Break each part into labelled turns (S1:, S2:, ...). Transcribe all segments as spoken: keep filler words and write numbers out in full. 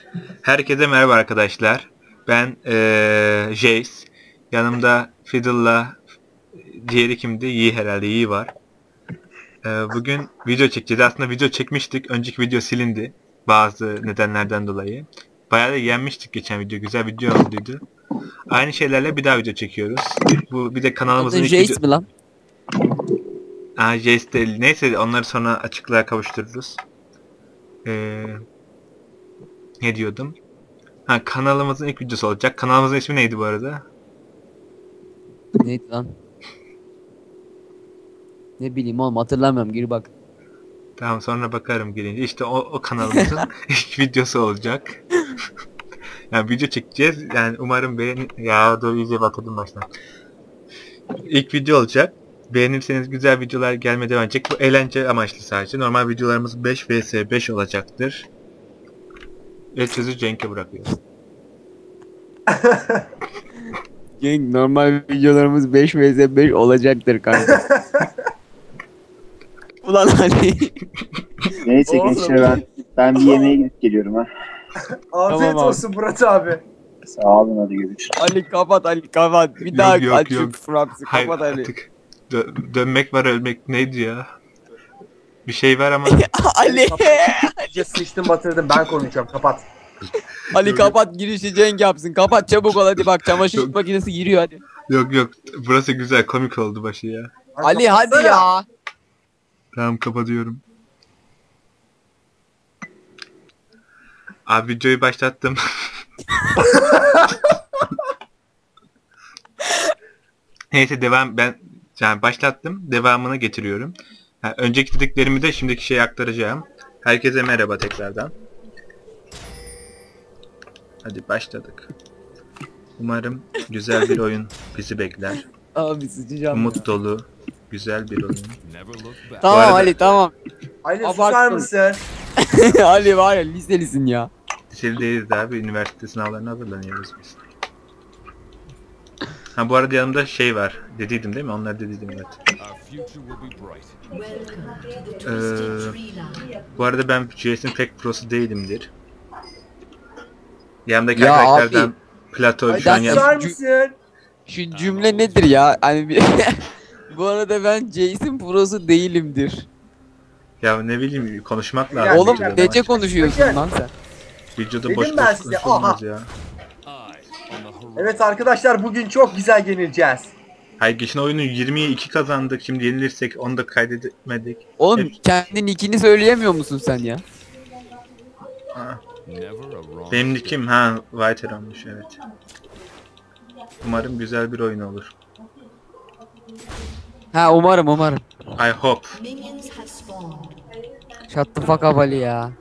S1: Herkese merhaba arkadaşlar. Ben ee, Jace. Yanımda Fiddle'la diğeri kimdi? Yi herhalde. Yi var. E, bugün video çekeceğiz. Aslında video çekmiştik. Önceki video silindi. Bazı nedenlerden dolayı. Bayağı da yenmiştik geçen video. Güzel video olduydu. Aynı şeylerle bir daha video çekiyoruz. Bu bir de kanalımızın
S2: Adın
S1: ilk
S2: Jace
S1: video...
S2: mi lan?
S1: Aa, Jace değil. Neyse onları sonra açıklığa kavuştururuz. Eee... Ne diyordum? Ha, kanalımızın ilk videosu olacak. Kanalımızın ismi neydi bu arada?
S2: Neydi lan? Ne bileyim oğlum, hatırlamıyorum, gir bak.
S1: Tamam, sonra bakarım gelince. İşte o, o kanalımızın ilk videosu olacak. Yani video çekeceğiz. Yani umarım beğen... Ya dur, iyice batırdım baştan. İlk video olacak. Beğenirseniz güzel videolar gelmeye devam edecek. Bu eğlence amaçlı sadece. Normal videolarımız beş vs beş olacaktır. Ve sözü Cenk'e bırakıyorum.
S2: Cenk, normal videolarımız beş vs beş olacaktır kanka. Ulan hani.
S3: Neyse gençler, ben ben bir yemeğe gidip geliyorum ha.
S4: Afiyet
S2: Tamam abi.
S4: olsun Murat abi.
S3: Sağ olun, hadi görüşürüz.
S2: Ali kapat, Ali kapat. Bir
S1: Yok,
S2: daha
S1: yok,
S2: aç
S1: yok.
S2: şu Fraps'i,
S1: Hayır
S2: kapat Ali.
S1: artık. Dö- dönmek var, ölmek neydi ya? Bir şey var ama...
S2: Ali.
S4: İyice sıçtım batırdım, ben konuşacağım, kapat.
S2: Ali kapat, girişi Cenk yapsın. Kapat çabuk ol hadi, bak çamaşır
S1: Yok.
S2: makinesi giriyor hadi.
S1: Yok yok, burası güzel, komik oldu başı ya.
S4: Lan
S2: Ali hadi
S4: kapatsana.
S2: ya.
S1: Tamam, kapatıyorum. Abi videoyu başlattım. Neyse devam, ben yani başlattım, devamını getiriyorum. Ha, önceki dediklerimi de şimdiki şeye aktaracağım. Herkese merhaba tekrardan. Hadi başladık. Umarım güzel bir oyun bizi bekler.
S2: Abi sıçacağım.
S1: Umut dolu, güzel bir oyun.
S2: Tamam
S1: Bu arada-
S2: Ali tamam.
S4: Ali
S2: Abarttın.
S4: susar mısın?
S2: Ali var ya, liselisin ya.
S1: Liseli değiliz abi, üniversite sınavlarına hazırlanıyoruz biz. Ha, bu arada yanımda şey var, dediydim değil mi? Onlar dediydim, evet. Ee, bu arada ben J S'in pek prosu değilimdir. Yanımdaki
S2: Ya
S1: arkadaşlardan
S2: abi,
S1: Plato
S2: ay
S1: şu an
S2: ben-
S1: yan...
S4: Susar
S2: Cü-
S4: mısın?
S2: Şu cümle nedir ya? Hani bir... Bu arada ben Jason Pro'su değilimdir.
S1: Ya ne bileyim, konuşmak
S4: Ya,
S1: lazım.
S2: Oğlum
S1: videoda
S2: nece
S1: ama.
S2: konuşuyorsun
S4: Bakın.
S2: lan sen?
S1: Videoda
S4: Dedim
S1: boş
S4: ben
S1: boş
S4: size,
S1: konuşulmaz ya.
S4: Evet arkadaşlar, bugün çok güzel yenileceğiz.
S1: Hayır, geçen oyunu yirmiye iki kazandık, şimdi yenilirsek onu da kaydedemedik.
S2: Oğlum
S1: Hep-
S2: kendin ikini söyleyemiyor musun sen ya?
S1: Ha. Benim nickim ha Whiter olmuş, evet. Umarım güzel bir oyun olur.
S2: Ha umarım umarım.
S1: I hope.
S2: Shut the fuck up Ali ya.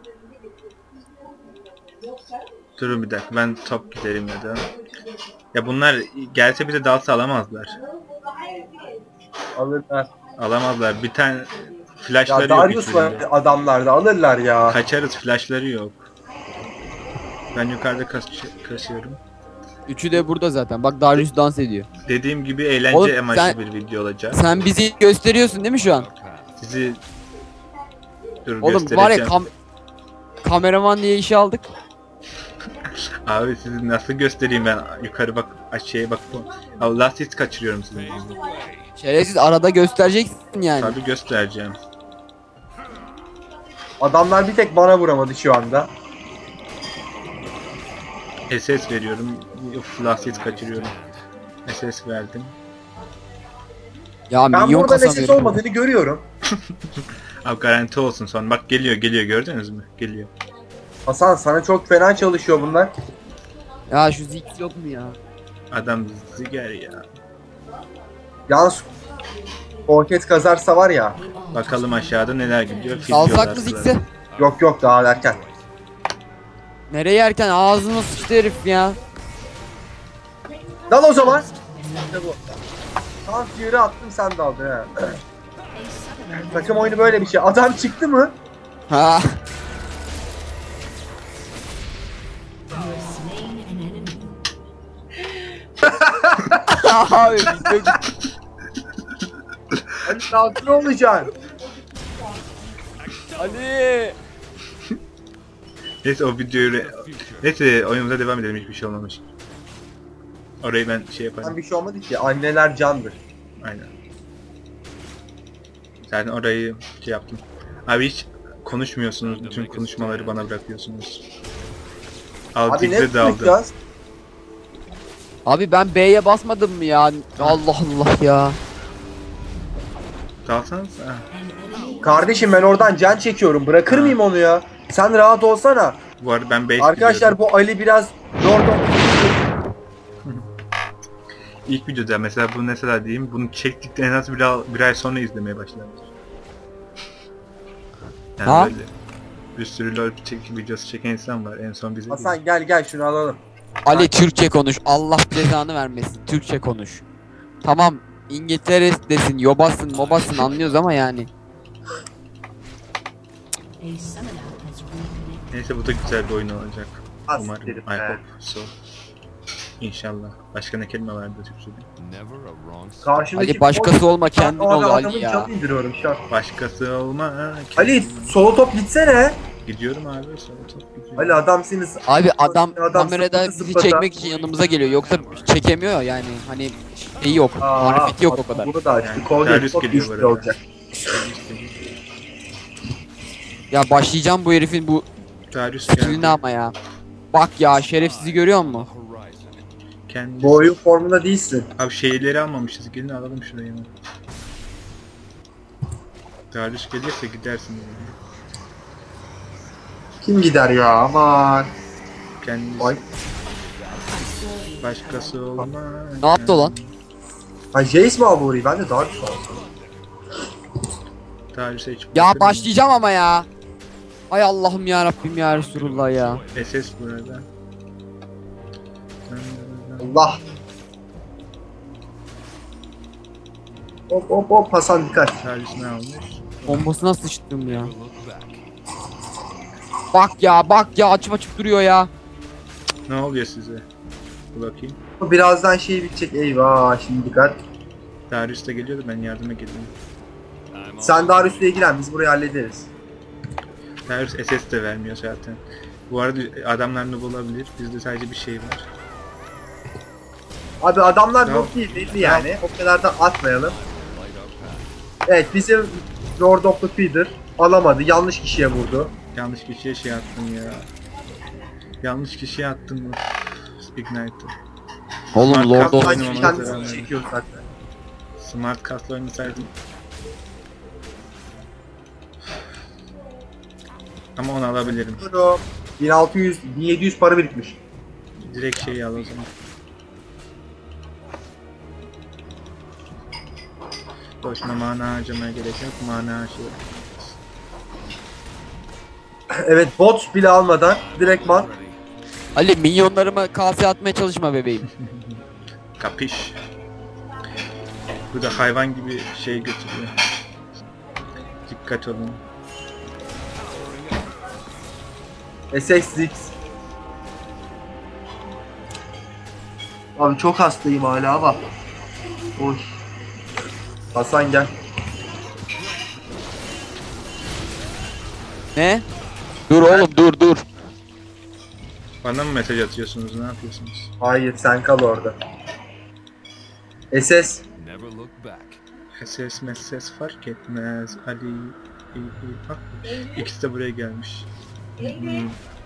S1: Durun bir dakika, ben top giderim ya da. Ya bunlar gelse bir de dalsa alamazlar.
S4: Alırlar.
S1: Alamazlar. Bir tane
S4: Ya
S1: flashları yok
S4: Darius var
S1: hiçbirinde.
S4: adamlarda, alırlar ya.
S1: Kaçarız, flashları yok. Ben yukarıda kas kasıyorum.
S2: Üçü de burada zaten. Bak Darius dans ediyor.
S1: Dediğim gibi eğlence
S2: Oğlum,
S1: amaçlı
S2: sen-
S1: bir video olacak.
S2: Sen bizi gösteriyorsun değil mi şu an?
S1: Sizi dur
S2: Oğlum
S1: göstereceğim.
S2: var ya kam kameraman diye işe aldık.
S1: Abi sizi nasıl göstereyim ben? Yukarı bak, aşağıya bak. Allah, siz kaçırıyorum sizi.
S2: Şerefsiz, arada göstereceksin yani.
S1: Tabii göstereceğim.
S4: Adamlar bir tek bana vuramadı şu anda.
S1: S S veriyorum. Uf, lastiği kaçırıyorum. S S verdim.
S2: Ya
S4: Ben
S2: milyon
S4: burada
S2: kasamıyorum.
S4: lesis olmadığını görüyorum.
S1: Abi garanti olsun sonra. Bak geliyor geliyor, gördünüz mü? Geliyor.
S4: Hasan, sana çok fena çalışıyor bunlar.
S2: Ya şu Ziggs yok mu ya?
S1: Adam ziger ya.
S4: Yalnız Orket kazarsa var ya.
S1: Bakalım aşağıda neler gidiyor. Fil
S2: Salsak
S1: diyorlar
S2: mı
S1: kızlar.
S2: Ziggs'i?
S4: Yok yok, daha erken.
S2: Nereye yerken ağzına sıçtı herif ya.
S4: Dal o zaman. İşte bu. Tam yürü attım, sen de aldın ha. Takım oyunu böyle bir şey. Adam çıktı mı?
S2: Ha. Abi video gitti.
S4: Hadi sakin olacaksın.
S2: Ali.
S1: Neyse o videoyu... Neyse oyunumuza devam edelim, hiçbir şey olmamış. Orayı ben şey
S4: Tam
S1: yaparım.
S4: bir şey olmadı ki. Anneler candır.
S1: Aynen. Zaten orayı şey yaptım. Abi hiç konuşmuyorsunuz, bütün konuşmaları bana bırakıyorsunuz.
S4: Abi
S1: Altı
S4: ne
S1: x'e daldım.
S4: konuşacağız?
S2: Abi ben B'ye basmadım mı ya? Allah Allah ya.
S1: Dalsanız ha.
S4: Kardeşim ben oradan can çekiyorum. Bırakır
S1: Ha.
S4: mıyım onu ya? Sen rahat olsana.
S1: Bu arada ben base
S4: Arkadaşlar bu Ali biraz Lordon.
S1: İlk videoda mesela bu mesela diyeyim, bunu çektikten en az bir, ay- bir ay sonra izlemeye başladım. Yani
S2: Ha?
S1: böyle bir sürü LoL çek videosu çeken insan var, en son bize değil.
S4: Hasan gel gel şunu alalım.
S2: Ali Türkçe konuş. Allah cezanı vermesin. Türkçe konuş. Tamam İngiltere'desin, yobasın, mobasın anlıyoruz ama yani.
S1: Neyse bu da güzel bir oyun olacak.
S4: Az
S1: Umarım.
S4: derim
S1: I
S4: be.
S1: hope so. İnşallah. Başka ne kelime vardı Türkçe'de?
S4: Karşımdaki
S2: Ali başkası olma, kendin
S4: Ben o
S2: ol Ali
S4: adamın
S2: ya.
S4: canını indiriyorum şu an.
S1: Başkası olma. Ha,
S4: Ali solo top gitsene.
S1: gidiyorum abi. Sonra top gidiyorum.
S4: Ali adamsınız.
S2: Abi adam,
S4: Adam
S2: kamerada
S4: sıfırda
S2: bizi
S4: sıfırda.
S2: çekmek için yanımıza geliyor. Yoksa çekemiyor yani. Hani şeyi yok. Marifeti yok o kadar.
S4: Bunu da açtı.
S1: Yani
S4: Kol
S1: Darius
S4: değil. Top
S1: geliyor
S4: güçlü
S1: böyle.
S4: olacak.
S2: Ya başlayacağım bu herifin bu
S1: Darius
S2: skill'ine
S1: geldi.
S2: ama ya. Bak ya şerefsizi görüyor musun?
S1: Kendisi.
S4: Bu oyun formunda değilsin.
S1: Abi şeyleri almamışız. Gelin alalım şurayı hemen. Darius gelirse gidersin. Yani.
S4: Kim gider ya aman.
S1: Kendisi.
S4: Vay.
S1: Başkası olma.
S2: Ne yaptı lan?
S4: Ha Jace mi aldı orayı? Ben de Darius aldım.
S1: Darius'a hiç
S2: Ya
S1: bakırım.
S2: başlayacağım ama ya. Ay Allah'ım ya Rabbim ya Resulullah ya.
S1: S S burada.
S4: Allah. Hop hop hop Hasan dikkat.
S1: Darius ne almış?
S2: Bombasına sıçtım ya. Bak ya bak ya açıp açıp duruyor ya.
S1: Ne oluyor size? Bir bakayım.
S4: Birazdan şey bitecek. Eyvah şimdi dikkat.
S1: Darius da geliyordu, ben yardıma geldim.
S4: Sen Darius'la ilgilen biz burayı hallederiz.
S1: Darius S S de vermiyor zaten. Bu arada adamlar noob olabilir. Bizde sadece bir şey var.
S4: Abi adamlar
S1: Tamam.
S4: yok değil belli yani. O kadar da atmayalım. Evet bizim Lord of the Feeder alamadı. Yanlış kişiye vurdu.
S1: Yanlış kişiye şey attım ya. Yanlış kişiye attım. Ignite'ı.
S2: Oğlum
S1: Smart
S2: Lord
S1: Cast
S2: of
S1: oynamamız
S4: Sanki
S1: lazım.
S4: kendisini çekiyor zaten.
S1: Smart Cast'la oynasaydım. Ama onu alabilirim.
S4: Buyurun. bin altı yüz, bin yedi yüz para birikmiş.
S1: Direkt şeyi al o zaman. Boşuna mana harcamaya gerek yok. Mana harcıyor.
S4: Evet bot bile almadan direktman.
S2: Ali minyonlarıma kase atmaya çalışma bebeğim.
S1: Kapış. Bu da hayvan gibi şey götürüyor. Dikkat olun.
S4: S X X. Abi çok hastayım hala ama. Oy. Hasan gel.
S2: Ne? Dur oğlum dur dur.
S1: Bana mı mesaj atıyorsunuz? Ne yapıyorsunuz?
S4: Hayır sen kal orada. S S.
S1: Ses ses fark etmez. Ali iyi, iyi. Bak, ikisi de buraya gelmiş. Hmm.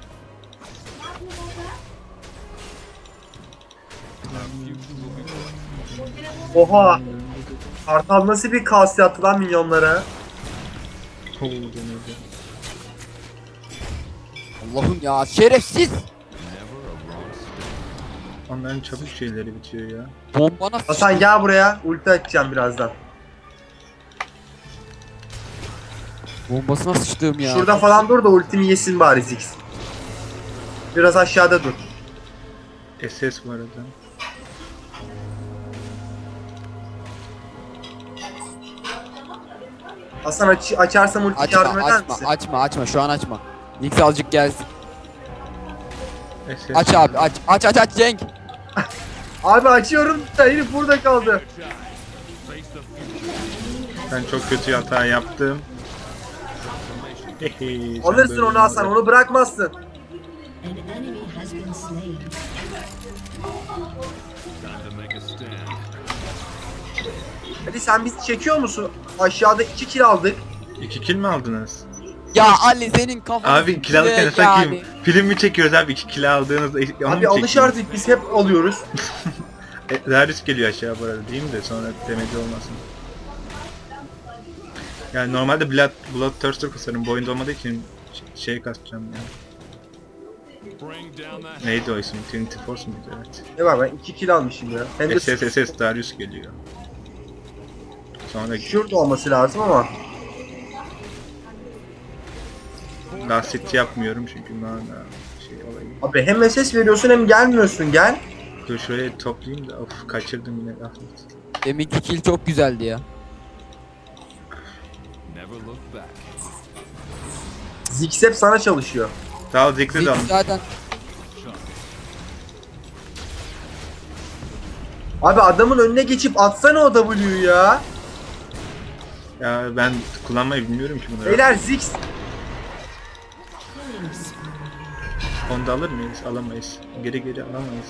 S4: Oha. Kartal nasıl bir kase attı lan minyonlara?
S1: Oo, denedi.
S2: Allah'ım ya şerefsiz.
S1: Onların çabuk şeyleri bitiyor ya.
S2: Bombana
S4: Hasan gel buraya. Ulti atacağım birazdan.
S2: Bombasına sıçtığım ya.
S4: Şurada falan dur da ultimi yesin bari Ziggs. Biraz aşağıda dur.
S1: S S bu arada.
S4: Hasan aç açarsam ulti
S2: Açma
S4: yardım eder
S2: açma
S4: misin?
S2: açma açma şu an açma. Nix azıcık gelsin.
S1: S S.
S2: Aç abi aç aç aç aç Cenk.
S4: Abi açıyorum da herif burada kaldı.
S1: Ben çok kötü hata yaptım. Hehe, sen
S4: Alırsın
S1: böyle
S4: onu Hasan,
S1: mi
S4: onu bırakmazsın.
S5: An enemy has been slain.
S4: Hadi sen bizi çekiyor musun? Aşağıda iki kill aldık.
S1: İki kill mi aldınız?
S2: Ya Ali senin kafan.
S1: Abi kill alırken
S2: yani.
S1: sakayım. Film mi çekiyoruz abi? İki kill aldığınızda onu mu
S4: Abi alış
S1: çekiyoruz?
S4: artık, biz hep alıyoruz.
S1: E, Darius geliyor aşağı bu arada değil mi de sonra demeci olmasın. Yani normalde Blood, Bloodthirster kasarım. Bu oyunda olmadığı için ş- şey kasacağım ya. Neydi o isim? Trinity Force muydu? Evet.
S4: Ne var, ben iki kill almışım ya. Hem de
S1: S S S S Darius geliyor. Sonra
S4: şurada olması lazım ama.
S1: Last hit yapmıyorum çünkü mana şey olayı.
S4: Abi hem S S veriyorsun hem gelmiyorsun, gel.
S1: Dur şuraya toplayayım da of kaçırdım yine last hit.
S2: Deminki kill çok güzeldi ya.
S4: Ziggs hep sana çalışıyor.
S1: Sağ ol Ziggs'e de
S2: Ziggs
S1: alın.
S2: zaten
S4: Abi adamın önüne geçip atsana o W'yu ya.
S1: Ya ben kullanmayı bilmiyorum ki bunları.
S4: Beyler Ziggs.
S1: Onu da alır mıyız? Alamayız. Geri geri alamayız.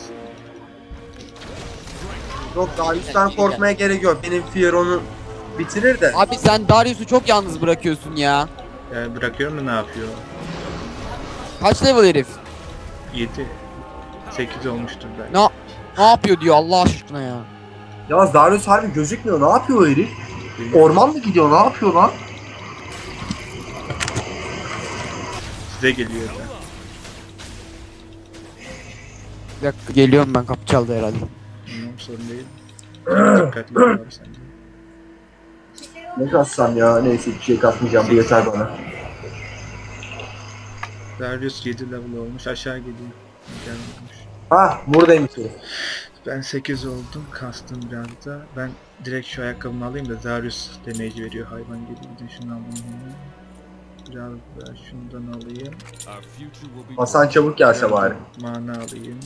S4: Yok, Darius'tan korkmaya gerek yok. Benim Fear onu bitirir de.
S2: abi sen Darius'u çok yalnız bırakıyorsun ya.
S1: Ya bırakıyorum da ne yapıyor?
S2: Kaç level herif?
S1: yedi sekiz olmuştur belki.
S2: Ne ne yapıyor diyor Allah aşkına ya.
S4: Yalnız Darius harbi gözükmüyor. Ne yapıyor o herif? Orman mı gidiyor? Ne yapıyor lan?
S1: Size geliyor da.
S2: Bir dakika geliyorum ben, kapı çaldı herhalde.
S1: Bilmiyorum, sorun değil. Dikkatli ol abi sen de.
S4: Ne kassam ya? Neyse, bir şey kasmayacağım. Bu yeter bana.
S1: Darius yedi level olmuş. Aşağı geliyor. Gelmemiş.
S4: Ah, buradaymış herif.
S1: Ben sekiz oldum. Kastım biraz da. Ben direkt şu ayakkabımı alayım da Darius damage veriyor hayvan gibi. Bir de şunu alayım. Biraz da şundan alayım.
S4: Hasan çabuk gelse bari.
S1: Mana alayım.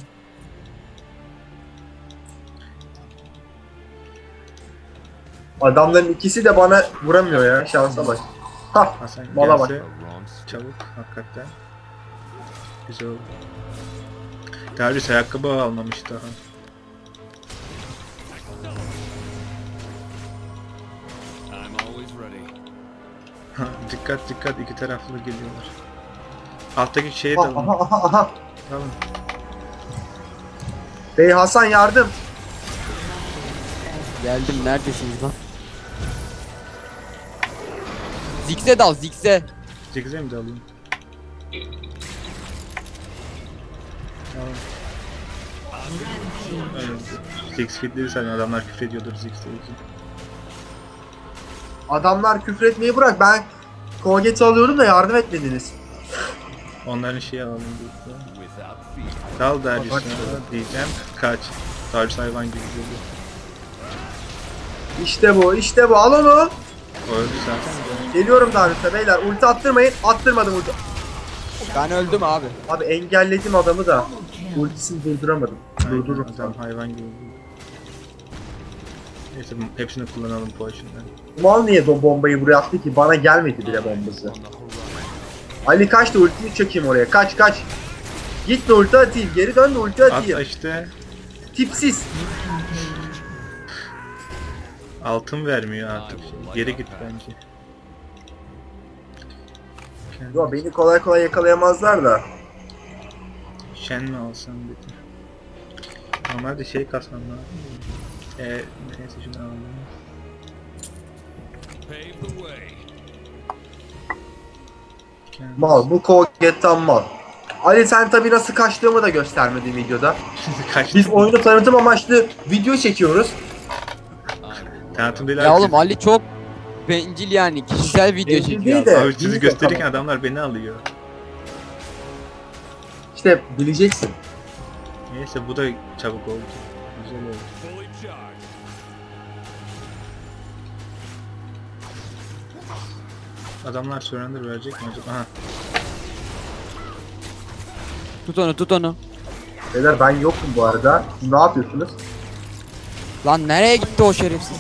S4: Adamların ikisi de bana vuramıyor ya. Şansa bak. Hah.
S1: Hasan
S4: Mala bak.
S1: gelse çabuk hakikaten. Güzel oldu. Darius ayakkabı almamış daha. Ha, dikkat dikkat, iki taraflı geliyorlar. Alttaki şeye
S4: Aha,
S1: dalın.
S4: aha, aha, aha.
S1: Dalın.
S4: Bey Hasan yardım.
S2: Geldim, neredesiniz lan? Ziggs'e dal, Ziggs'e.
S1: Ziggs'e mi dalayım? Tamam. Evet. Ziggs fitleri sen adamlar küfür ediyordur Ziggs'te için.
S4: Adamlar küfür etmeyi bırak. Ben Koget'i alıyorum da yardım etmediniz.
S1: Onların şeyi alalım diye. Dal Darius'a diyeceğim. Kaç. Darius hayvan gibi geliyor.
S4: İşte bu, işte bu. Al onu.
S1: O öldü zaten de.
S4: Geliyorum Darius'a beyler. Ulti attırmayın. Attırmadım ulti.
S2: Ben öldüm abi.
S4: Abi engelledim adamı da. Ultisini durduramadım.
S1: Aynen,
S4: Durdururum.
S1: adam hayvan gibi geliyor. Neyse hepsini kullanalım potion'dan.
S4: Mal niye o bombayı buraya attı ki? Bana gelmedi bile bombası. Ali kaç da ultiyi çekeyim oraya. Kaç kaç. Git de ulti atayım. Geri dön de ulti atayım.
S1: At işte.
S4: Tipsiz.
S1: Altın vermiyor artık. Geri git bence.
S4: Yo, beni kolay kolay yakalayamazlar da.
S1: Shen mi alsam dedim. Normalde şey kasmam lazım. Eee neyse şunu alalım.
S4: Mal. Bu Koget'tan mal. Ali sen tabi nasıl kaçtığımı da göstermedin videoda.
S1: Kaç
S4: Biz oyunu tanıtım amaçlı video çekiyoruz.
S1: tanıtım değil
S2: Ya
S1: abi.
S2: oğlum Ali çok bencil yani, kişisel video
S4: Bencil
S2: çekiyor.
S4: değil de.
S1: Abi sizi
S4: Biz
S1: gösterirken
S4: yapalım.
S1: adamlar beni alıyor.
S4: İşte bileceksin.
S1: Neyse bu da çabuk oldu. Güzel oldu. Adamlar surrender verecek mi acaba? Aha.
S2: Tut onu, tut onu.
S4: Beyler ben yokum bu arada. Siz ne yapıyorsunuz?
S2: Lan nereye gitti o şerefsiz?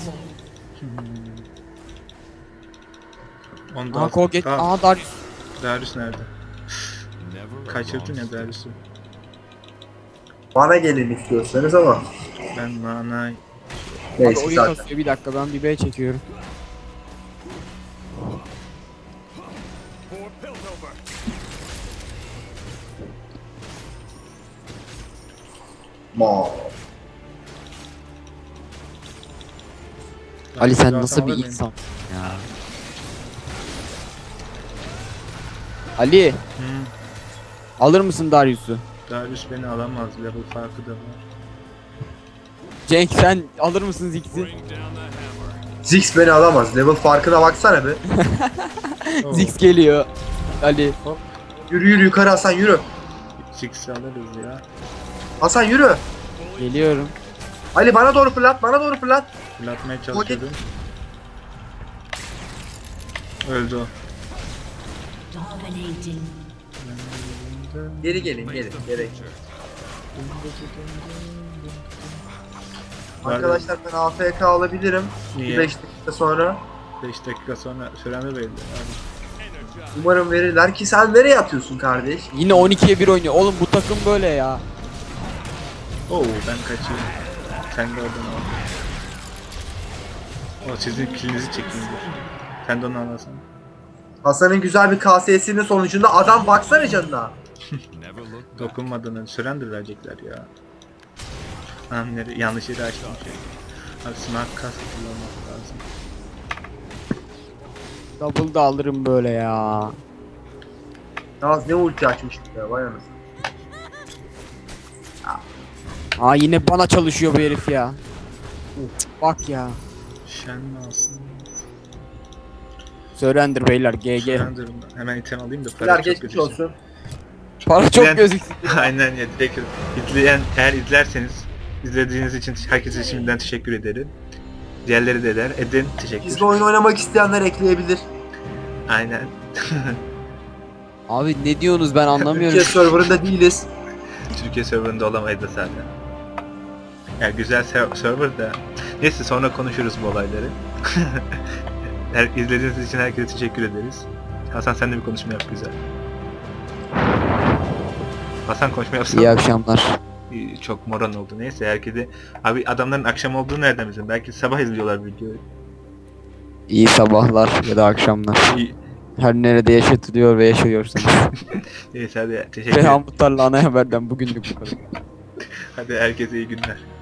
S1: Onu da
S2: Aha
S1: al.
S2: Koget,
S1: Al.
S2: aha Darius.
S1: Darius nerede? kaçırdın ya Darius'u.
S4: Bana gelin istiyorsanız ama.
S1: Ben mana
S2: Abi
S4: Neyse
S2: oyun
S4: zaten.
S2: kasıyor, bir dakika ben bir B çekiyorum.
S4: Ma.
S2: Ali sen
S1: Zaten
S2: nasıl bir
S1: alır mıyım?
S2: insan ya? Ali
S1: Hı.
S2: alır mısın Darius'u?
S1: Darius beni alamaz. Level farkı da var.
S2: Cenk sen alır mısın Ziggs'i?
S4: Ziggs beni alamaz. Level farkına baksana be.
S1: Oo.
S2: Ziggs geliyor. Ali.
S4: Yürü yürü yukarı Hasan yürü.
S1: Ziggs'i alırız ya.
S4: Hasan yürü.
S2: Geliyorum.
S4: Ali bana doğru fırlat, bana doğru fırlat.
S1: Fırlatmaya çalışıyordum. Öldü o.
S5: Dominating.
S4: Geri gelin, gelin, gerek. Arkadaşlar ben A F K alabilirim.
S1: Niye?
S4: beş dakika sonra.
S1: beş dakika sonra süren de belli abi.
S4: Umarım verirler ki sen nereye atıyorsun kardeş?
S2: Yine on ikiye bir oynuyor. Oğlum bu takım böyle ya.
S1: Oo ben kaçayım. Sen de oradan al. O sizin kilinizi çekeyim dur. Sen de onu alasın.
S4: Hasan'ın güzel bir K S S'inin sonucunda adam baksana canına.
S1: Dokunmadığını süren verecekler ya. Anam nere yanlış yeri açtım şey. Abi smart kask kullanmak lazım.
S2: Double da alırım böyle ya.
S4: Naz ne ulti açmıştık ya vay anasını.
S2: Aa yine bana çalışıyor bu herif ya. Cık, bak ya.
S1: Şen mi alsın?
S2: Surrender beyler G G.
S1: Surrender'ım. Hemen item alayım da para
S4: Biler
S1: çok
S4: geçmiş
S1: gözüksün.
S4: olsun.
S2: Para çok
S1: Ben-
S2: gözüksün.
S1: Aynen ya direkt izleyen eğer izlerseniz izlediğiniz için herkese şimdiden teşekkür ederim. Diğerleri de eder. Edin teşekkür.
S4: Bizle oyun oynamak isteyenler ekleyebilir.
S1: Aynen.
S2: Abi ne diyorsunuz ben anlamıyorum.
S4: Türkiye serverında değiliz.
S1: Türkiye serverında olamaydı zaten. Ya güzel ser- server da. Neyse sonra konuşuruz bu olayları. Her, izlediğiniz için herkese teşekkür ederiz. Hasan sen de bir konuşma yap güzel. Hasan konuşma yapsana.
S2: İyi akşamlar.
S1: İyi, çok moran oldu. Neyse herkese. Abi adamların akşam olduğunu nereden bilsin? Belki sabah izliyorlar videoyu.
S2: İyi sabahlar ya da akşamlar.
S1: İyi.
S2: Her nerede yaşatılıyor ve yaşıyorsanız.
S1: Neyse hadi teşekkür ederim.
S2: Reyhan Muhtar'la ana haberden bugünlük bu kadar.
S1: Hadi herkese iyi günler.